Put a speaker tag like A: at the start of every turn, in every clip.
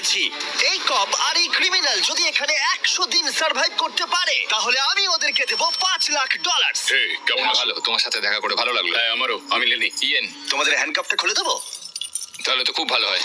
A: বলছি, এই কপ আর এই ক্রিমিনাল যদি এখানে 100 দিন সার্ভাইভ করতে পারে তাহলে আমি ওদেরকে দেবো $5,00,000।
B: এই কেমন আছো?
C: ভালো, তোমার সাথে দেখা করে ভালো লাগলো।
B: হ্যাঁ আমারও। আমি লেনি।
C: ইয়েন,
A: তোমাদের হ্যান্ডকাপটা খুলে দেবো?
C: তাহলে তো খুব ভালো হয়।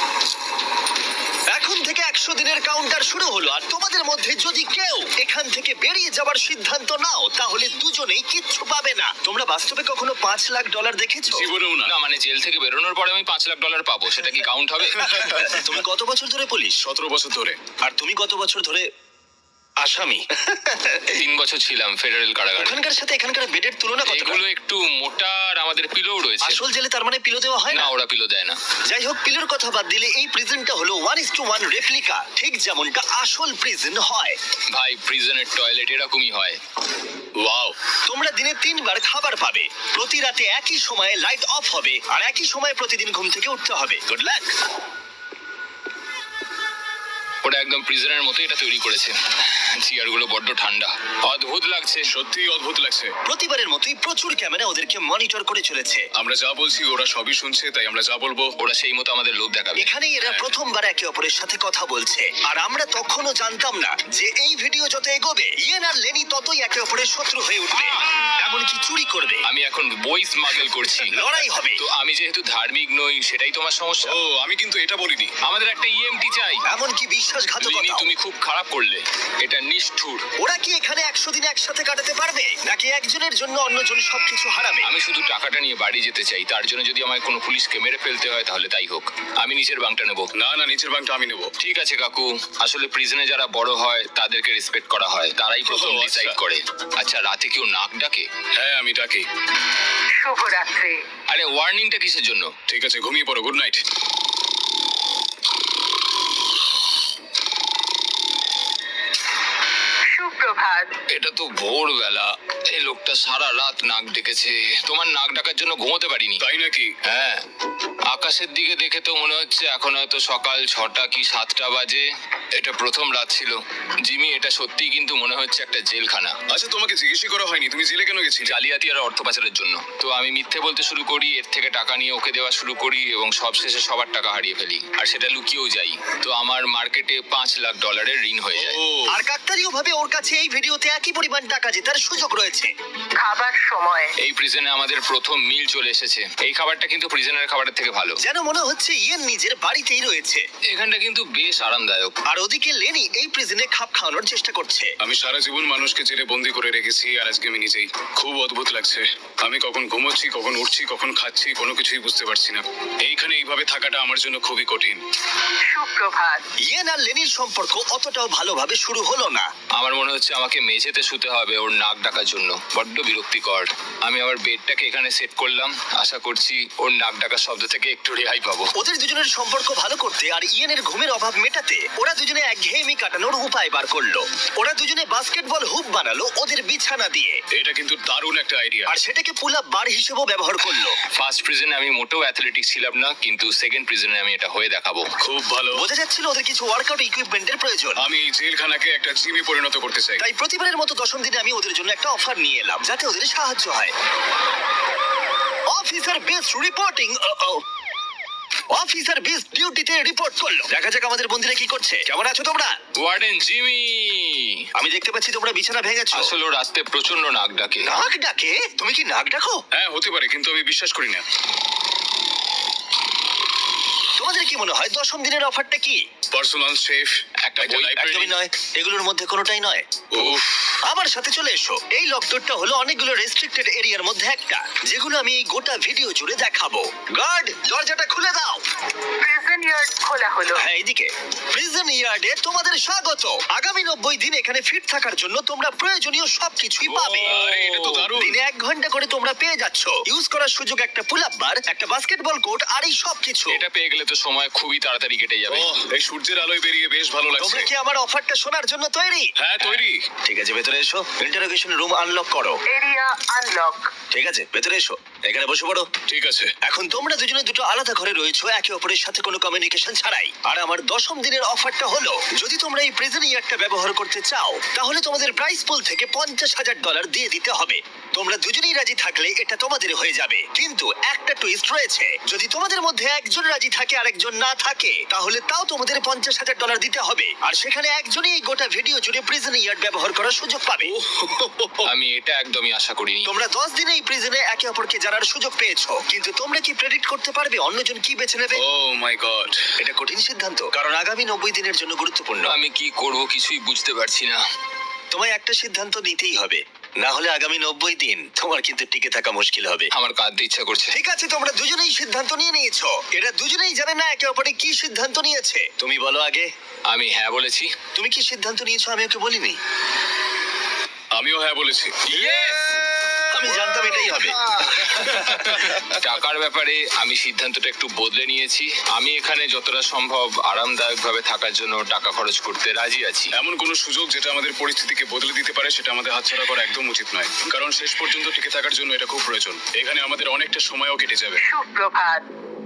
A: এখন থেকে 100 দিনের কাউন্টার শুরু হলো, আর তোমাদের মধ্যে যদি কেউ এখান থেকে বেরিয়ে যাবার সিদ্ধান্ত নাও তাহলে দুজনেই কিচ্ছু পাবে না। তোমরা বাস্তবে কখনো $5,00,000 দেখেছো?
B: জীবনেও না।
C: না মানে জেল থেকে বেরোনোর পরে আমি $5,00,000 পাবো, সেটা কি কাউন্ট হবে?
A: তুমি কত বছর ধরে পুলিশ?
B: 17 বছর ধরে।
A: আর তুমি কত বছর ধরে আসামি?
C: 3 বছর ছিলাম ফেডারেল কারাগারে।
A: ওখানকার সাথে এখানকার বেডের তুলনা কত?
C: এগুলো একটু মোটা আর আমাদের পিলোও রয়েছে।
A: আসল জেলে তার মানে পিলো দেওয়া হয়
C: না,
A: না?
C: ওরা পিলো দেয় না।
A: যাই হোক, পিলোর কথা বাদ দিলে এই প্রিজনটা হলো 1:1 রেপ্লিকা, ঠিক যেমনটা আসল প্রিজন হয়।
C: ভাই, প্রিজনের টয়লেট এরকমই হয়।
B: ওয়াও।
A: তোমরা দিনে 3 বার খাবার পাবে, প্রতি রাতে একই সময়ে লাইট অফ হবে, আর একই সময়ে প্রতিদিন ঘুম থেকে উঠতে হবে। Good luck.
C: ওটা একদম প্রিজনের মতো এটা তৈরি করেছে। চেয়ারগুলো বড্ড ঠান্ডা, অদ্ভুত লাগছে।
B: সত্যিই অদ্ভুত লাগছে।
A: প্রতিবারের মতোই প্রচুর ক্যামেরা ওদেরকে মনিটর করে চলেছে।
B: আমরা যা বলছি ওরা সবই শুনছে, তাই আমরা যা বলবো
C: ওরা সেই মতো আমাদের লোভ দেখাবে।
A: এখানেই এরা প্রথমবার একে অপরের সাথে কথা বলছে, আর আমরা তখনও জানতাম না যে এই ভিডিও যত এগোবে ইয়েন আর লেনি ততই একে অপরের শত্রু হয়ে উঠবে, এমনকি চুরি করবে।
C: আমি এখন বই স্মাগল করছি।
A: লড়াই হবে।
C: তো আমি যেহেতু ধার্মিক নই, সেটাই তোমার সমস্যা।
B: ও আমি কিন্তু এটা বলিনি।
C: আমাদের একটা ইএমটি চাই।
A: এমনকি
C: লিনি,
A: বিশ্বাসঘাতকতা।
C: তুমি খুব খারাপ করলে। এটা নিষ্ঠুর।
A: ওরা কি এখানে 100 দিন একসাথে কাটাতে পারবে, নাকি একজনের জন্য অন্যজন সবকিছু হারাবে?
C: আমি শুধু টাকাটা নিয়ে বাড়ি যেতে চাই, তার জন্য যদি আমায় কোনো পুলিশকে মেরে ফেলতে হয় তাহলে তাই হোক। আমি নিচের বাংটা নেব।
B: না না, নিচের বাংটা আমি নেব।
C: ঠিক আছে কাকু, আসলে প্রিজনে যারা বড় হয় তাদেরকে রেসপেক্ট করা হয়, তারাই প্রথম
B: ও, আচ্ছা।
C: ডিসাইড করে। আচ্ছা, রাতে কেউ নাক ডাকে?
B: হ্যাঁ আমি ডাকি।
D: শুভরাত্রি।
C: আরে ওয়ার্নিংটা কিসের জন্য?
B: ঠিক আছে, ঘুমিয়ে পড়ো। Good night.
D: সুপ্রভাত।
C: এটা তো ভোরবেলা। এই লোকটা সারা রাত নাক ডেকেছে। তোমার নাক ডাকার জন্য ঘুমোতে পারিনি।
B: তাই নাকি?
C: হ্যাঁ, আকাশের দিকে দেখে তো মনে হচ্ছে এখন হয়তো সকাল 6টা কি 7টা বাজে। এটা প্রথম রাত ছিল। জিমি, এটা সত্যি কিন্তু মনে হচ্ছে একটা জেলখানা।
B: আচ্ছা, তোমাকে জিজ্ঞেসই করা হয়নি তুমি জেলে কেন গেছিলে?
C: জালিয়াতি আর অর্থ পাচারের জন্য। তো আমি মিথ্যে বলতে শুরু করি, এর থেকে টাকা নিয়ে ওকে দেওয়া শুরু করি, এবং সবশেষে সবার টাকা হারিয়ে ফেলি, আর সেটা লুকিয়েও যাই। তো আমার মার্কেটে $5,00,000 ঋণ হয়ে যায়।
B: ও
A: আর কাকতালীয় ভাবে ওর কাছে এই ভিডিওতে একই পরিমাণ টাকা জেতার সুযোগ রয়েছে।
D: খাবার সময়।
C: এই প্রিজনে আমাদের প্রথম মিল চলে এসেছে। এই খাবারটা কিন্তু প্রিজনের খাবারের থেকে ভালো।
A: যেন মনে হচ্ছে ইয়েন নিজের বাড়িতেই রয়েছে।
C: এখানটা কিন্তু বেশ আরামদায়ক।
A: আর ওদিকে লেনি এই প্রিজনে খাপ খাওয়ানোর চেষ্টা করছে।
B: আমি সারা জীবন মানুষকে জেলে বন্দি করে রেখেছি, আর আজকে আমি নিজেই। খুব অদ্ভুত লাগছে। আমি কখন ঘুমোচ্ছি, কখন উঠছি, কখন খাচ্ছি, কোনো কিছুই বুঝতে পারছি না। এইখানে এইভাবে থাকাটা আমার জন্য খুবই কঠিন।
D: সুপ্রভাত।
A: ইয়েন আর লেনির সম্পর্ক অতটাও ভালোভাবে শুরু হলো না।
C: আমার মনে হচ্ছে আমাকে মেঝেতে শুতে হবে ওর নাক ডাকার জন্য। বড্ড বিরক্তিকর। আমি আমার বেডটাকে এখানে সেট করলাম, আশা করছি ওর নাক ডাকার শব্দ থেকে একটু রেহাই পাবো।
A: ওদের দুজনের সম্পর্ক ভালো করতে আর ইয়েনের ঘুমের অভাব মেটাতে ওরা দুজনে একঘেয়েমি কাটানোর উপায় বার করলো। ওরা দুজনে বাস্কেটবল হুপ বানালো ওদের বিছানা দিয়ে,
B: এটা কিন্তু দারুণ একটা আইডিয়া।
A: আর সেটাকে পুল আপ বার হিসেবেও ব্যবহার করলো।
C: ফার্স্ট প্রিজনে আমি মোটেও অ্যাথলেটিক্স ছিলাম না, কিন্তু সেকেন্ড প্রিজনে আমি এটা হয়ে দেখাবো।
B: খুব ভালো।
A: বোঝা যাচ্ছিল ওদের কিছু ওয়ার্কআউট ইকুইপমেন্টের প্রয়োজন।
B: আমি এই জেলখানাকে একটা জিমে পরিণত করতে চাই।
A: তাই প্রতিবারের মতো 10ম দিনে আমি ওদের জন্য একটা অফার নিয়ে এলাম, যাতে ওদের সাহায্য হয়। Officer best reporting. Officer best ডিউটিতে রিপোর্ট করলো। দেখা যাক আমাদের বন্ধুরা কি করছে। কেমন আছো তোমরা?
C: ওয়ার্ডেন জিমি,
A: আমি দেখতে পাচ্ছি তোমরা বিছানা ভেঙেছো।
C: আসলে ও রাতে প্রচন্ড নাক ডাকে।
A: নাক ডাকে? তুমি কি নাক ডাকো?
B: হ্যাঁ হতে পারে, কিন্তু আমি বিশ্বাস করি না।
A: তোমাদের কি মনে হয় 10ম দিনের অফারটা কি?
B: পার্সোনাল শেফ,
C: একটা
B: একটা
C: বই,
B: লাইব্রেরি।
A: একদমই নয়, এগুলোর মধ্যে কোনোটাই নয়।
B: উফ,
A: আমার সাথে চলে এসো। এই লকডাউনটা হলো অনেকগুলো রেস্ট্রিক্টেড এরিয়ার মধ্যে একটা, যেগুলো আমি এই গোটা ভিডিও জুড়ে দেখাবো। গার্ড, দরজাটা খুলে দাও।
D: প্রিজন ইয়ার্ড খোলা হলো।
A: হ্যাঁ, এইদিকে। প্রিজন ইয়ার্ডে তোমাদের স্বাগত। আগামী 90 দিন এখানে ফিট থাকার জন্য তোমরা প্রয়োজনীয় সবকিছুই পাবে।
B: আরে এটা তো দারুণ।
A: দিনে 1 ঘন্টা করে তোমরা পেয়ে যাচ্ছ। ইউজ করার সুযোগ একটা পুল আপ বার, একটা বাস্কেটবল কোর্ট, আর এই সবকিছু।
C: এটা পেয়ে গেলে তো সময় খুবই তাড়াতাড়ি কেটে যাবে।
B: ওহ, এই সূর্যের আলোয় বেরিয়ে বেশ ভালো লাগছে।
A: তোমরা কি আমার অফারটা শোনার জন্য তৈরি?
B: হ্যাঁ তৈরি।
A: ঠিক আছে, ভেতরে এসো। ইন্টারোগেশন রুম আনলক করো।
D: Area unlock.
A: ঠিক আছে, ভেতরে এসো। এখানে বসে পড়ো।
B: ঠিক আছে।
A: এখন তোমরা দুজনে দুটো আলাদা ঘরে রয়েছো, একে অপরের সাথে কোনো কমিউনিকেশন ছাড়াই। আর আমার 10ম দিনের অফারটা হলো, যদি তোমরা এই প্রিজন ইয়ারটা ব্যবহার করতে চাও তাহলে তোমাদের প্রাইস পুল থেকে $50,000 দিয়ে দিতে হবে। তোমরা দুজনেই রাজি থাকলে এটা তোমাদের হয়ে যাবে, কিন্তু একটা টুইস্ট রয়েছে। যদি তোমাদের মধ্যে একজন রাজি থাকে আর একজন না থাকে, তাহলে তাও তোমাদের $50,000 দিতে হবে। আর সেখানে একজনই এই গোটা ভিডিও জুড়ে প্রিজন ইয়ার ব্যবহার করার সুযোগ পাবে।
C: আমি এটা একদমই আশা করিনি।
A: তোমরা 10 দিনে এই প্রিজনে একে অপরকে জানার সুযোগ পেয়েছো, কিন্তু তোমরা কি প্রেডিক্ট করতে পারবে অন্যজন কি বেছে নেবে?
B: Oh my God.
A: এটা কঠিন সিদ্ধান্ত, কারণ আগামী 90 দিনের জন্য গুরুত্বপূর্ণ।
C: আমি কি করব কিছুই বুঝতে পারছি না।
A: তোমায় একটা সিদ্ধান্ত নিতেই হবে, না হলে আগামী 90 দিন তোমার কিন্তু টিকে থাকা মুশকিল হবে।
C: আমার কাঁদতে ইচ্ছা করছে।
A: ঠিক আছে, তোমরা দুজনেই সিদ্ধান্ত নিয়ে নিয়েছো। এরা দুজনেই জানে না একে অপরে কি সিদ্ধান্ত নিয়েছে। তুমি বলো আগে,
C: আমি হ্যাঁ বলেছি।
A: তুমি কি সিদ্ধান্ত নিয়েছো? আমি ওকে বলিনি।
B: আমিও হ্যাঁ বলেছি।
A: আমি জানতাম এটাই হবে।
C: টাকার ব্যাপারে আমি সিদ্ধান্তটা একটু বদলে নিয়েছি। আমি এখানে যতটা সম্ভব আরামদায়কভাবে থাকার জন্য টাকা খরচ করতে রাজি আছি।
B: এমন কোনো সুযোগ যেটা আমাদের পরিস্থিতিকে বদলে দিতে পারে সেটা আমাদের হাতছাড়া করা একদম উচিত নয়, কারণ শেষ পর্যন্ত টিকে থাকার জন্য এটা খুব প্রয়োজন। এখানে আমাদের অনেকটা সময়ও কেটে যাবে।
D: সুপ্রভাত।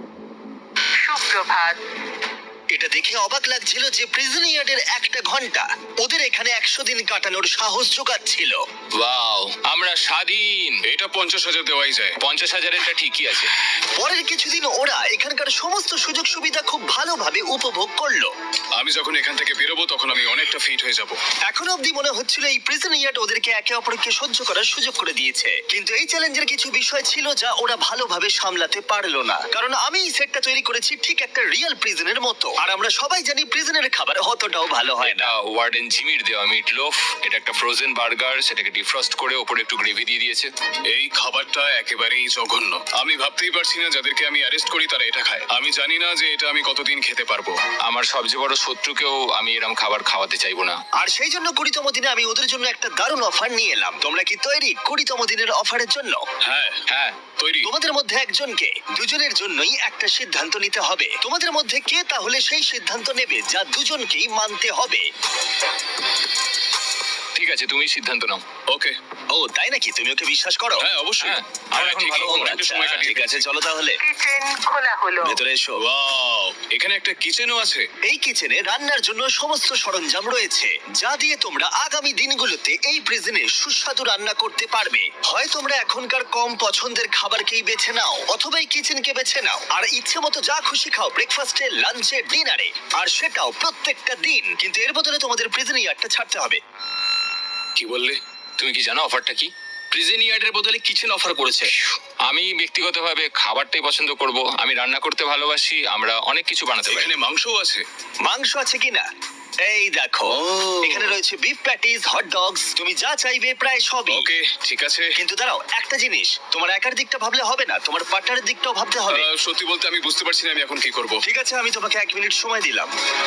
D: সুপ্রভাত।
A: এটা দেখে অবাক লাগছিল যে প্রিজন ইয়ার্ডের একটা ঘন্টা ওদের এখানে 100 দিন কাটানোর সাহস জোগাচ্ছিল।
C: ওয়াও, আমরা স্বাধীন।
B: এটা 50,000 দেওয়াই যায়।
C: 50,000-এরটা ঠিকই আছে।
A: পরের কিছুদিন ওরা এখানকার সমস্ত সুযোগ সুবিধা খুব ভালোভাবে উপভোগ করলো।
B: আমি যখন এখান থেকে বেরোবো তখন আমি অনেকটা ফিট হয়ে যাব।
A: এখন অবধি মনে হচ্ছিল এই প্রিজন ইয়ার্ড ওদেরকে একে অপরকে সহ্য করার সুযোগ করে দিয়েছে, কিন্তু এই চ্যালেঞ্জের কিছু বিষয় ছিল যা ওরা ভালোভাবে সামলাতে পারলো না। কারণ আমি এই সেটটা তৈরি করেছি ঠিক একটা রিয়েল প্রিজনের মতো, আর আমরা সবাই জানি প্রিজনের খাবার অতটাও ভালো হয় না।
C: এটা ওয়ার্ডেন জিমির দেওয়া মিট লোফ। এটা একটা ফ্রোজেন বার্গার, সেটাকে ডিফ্রস্ট করে ওপরে একটু গ্রেভি দিয়ে দিয়েছে।
B: এই খাবারটা একেবারেই জঘন্য। আমি ভাবতেই পারছি না যাদেরকে আমি অ্যারেস্ট করি তারা এটা খায়। আমি জানি না যে এটা আমি কতদিন খেতে পারবো।
C: আমার সবচেয়ে বড় শত্রুকেও আমি এরকম খাবার খাওয়াতে চাইবো না।
A: আর সেই জন্য 20তম দিনে আমি ওদের জন্য একটা দারুণ অফার নিয়ে এলাম। তোমরা কি তৈরি 20তম দিনের অফারের জন্য?
B: হ্যাঁ
C: হ্যাঁ,
B: তৈরি।
A: তোমাদের মধ্যে একজনকে দুজনের জন্যই একটা সিদ্ধান্ত নিতে হবে। তোমাদের মধ্যে কে তাহলে সেই সিদ্ধান্ত নেবে যা দুজনকেই মানতে হবে?
C: ঠিক আছে, তুমি সিদ্ধান্ত নাও।
B: ওকে।
A: ও তাই নাকি? তুমি ওকে বিশ্বাস করো?
B: হ্যাঁ অবশ্যই।
C: হ্যাঁ, আমরা এখন
B: ঠিকই।
C: ভালো বন্ধু।
B: অনেকটা সময়
A: আচ্ছা,
B: কাটিয়ে
A: ঠিক আছে, চলো তাহলে
D: কিচেন খোলা হলো।
A: ভেতরে এসো।
B: ওয়াও, এখানে একটা কিচেনও আছে।
A: এই কিচেনে রান্নার জন্য সমস্ত সরঞ্জাম রয়েছে, যা দিয়ে তোমরা আগামী দিনগুলোতে এই প্রিজনে সুস্বাদু রান্না করতে পারবে। হয় তোমরা এখনকার কম পছন্দের খাবারকেই বেছে নাও, অথবা এই কিচেনকে বেছে নাও আর ইচ্ছে মতো যা খুশি খাও ব্রেকফাস্টে, লাঞ্চে, ডিনারে, আর সেটাও প্রত্যেকটা দিন। কিন্তু এর বদলে তোমাদের প্রিজন ইয়ারটা ছাড়তে হবে।
B: কি বললে?
C: তুমি কি জানো অফারটা কি?
E: প্রিজন ইয়ার্ডের বদলে কিচেন অফার করেছে।
C: আমি ব্যক্তিগতভাবে খাবারটাই পছন্দ করব। আমি রান্না করতে ভালোবাসি। আমরা অনেক কিছু বানাতে পারি।
B: এখানে মাংসও আছে।
A: মাংস আছে কিনা? এই দেখো, এখানে রয়েছে বিফ প্যাটিস, হট ডগস, তুমি যা চাইবে প্রায় সবই।
B: ওকে, ঠিক আছে।
A: কিন্তু দাঁড়াও, একটা জিনিস, তোমার একার দিকটা ভাবলে হবে না, তোমার পার্টনারের দিকটাও ভাবতে হবে।
B: সত্যি বলতে আমি বুঝতে পারছি না আমি এখন কি করব।
A: ঠিক আছে, আমি তোমাকে 1 মিনিট সময় দিলাম।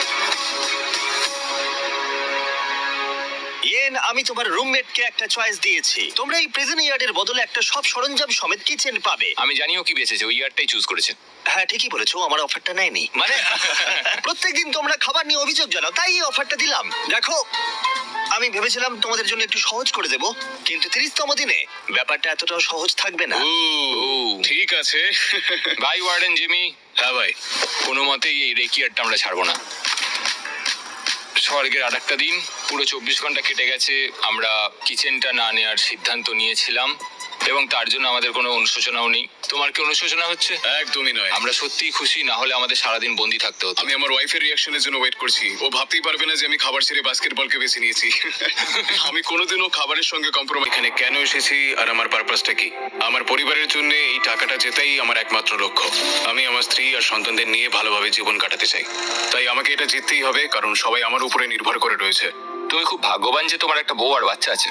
A: ইয়েন, আমি তোমার রুমমেটকে একটা চয়েস দিয়েছি। তোমরা এই প্রিজন ইয়ার্ডের বদলে একটা সব সরঞ্জাম সমেত কিচেন পাবে।
C: আমি জানিও কি বেঁচেছে, ওই ইয়ারটাই চুজ করেছে।
A: হ্যাঁ ঠিকই বলেছো, আমার অফারটা নেয়নি। মানে প্রত্যেকদিন তোমরা খাবার নিয়ে অভিযোগ জানাও, তাই এই অফারটা দিলাম। দেখো, আমি ভেবেছিলাম তোমাদের জন্য একটু সহজ করে দেব, কিন্তু 30তম দিনে ব্যাপারটা এতটাও সহজ থাকবে না।
B: ও, ঠিক আছে।
C: Bye warden Jimmy.
B: হ্যাঁ ভাই।
C: কোনো মতেই এই রেকিয়ারটা আমরা ছাড়বো না। স্বর্গের আর একটা দিন, পুরো 24 ঘন্টা কেটে গেছে। আমরা কিচেনটা না নেওয়ার সিদ্ধান্ত নিয়েছিলাম এবং তার জন্য আমাদের কোনো অনুশোচনাও নেই। তোমার কি অনুশোচনা হচ্ছে?
B: একদমই নয়।
C: আমরা সত্যিই খুশি, না হলে আমাদের সারাদিন বন্দি থাকতে হতো।
B: আমি আমার ওয়াইফের রিঅ্যাকশনের জন্য ওয়েট করছি। ও ভাবতেই পারবে না যে আমি খাবার ছেড়ে বাস্কেটবলকে বেছে নিয়েছি। আমি কোনোদিনও খাবারের সঙ্গে কম্প্রোমাইজ। এখানে কেন এসেছি আর আমার পারপাসটা কি? আমার পরিবারের জন্য এই টাকাটা জেতাই আমার একমাত্র লক্ষ্য। আমি আমার স্ত্রী আর সন্তানদের নিয়ে ভালোভাবে জীবন কাটাতে চাই। তাই আমাকে এটা জিততেই হবে, কারণ সবাই আমার উপরে নির্ভর করে রয়েছে।
C: তুমি খুব ভাগ্যবান যে তোমার একটা বউ আর বাচ্চা আছে।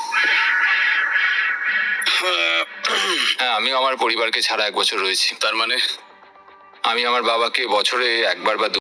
C: হ্যাঁ, আমি আমার পরিবারকে ছাড়া 1 বছর রয়েছি।
B: তার মানে
C: আমি আমার বাবাকে বছরে একবার বা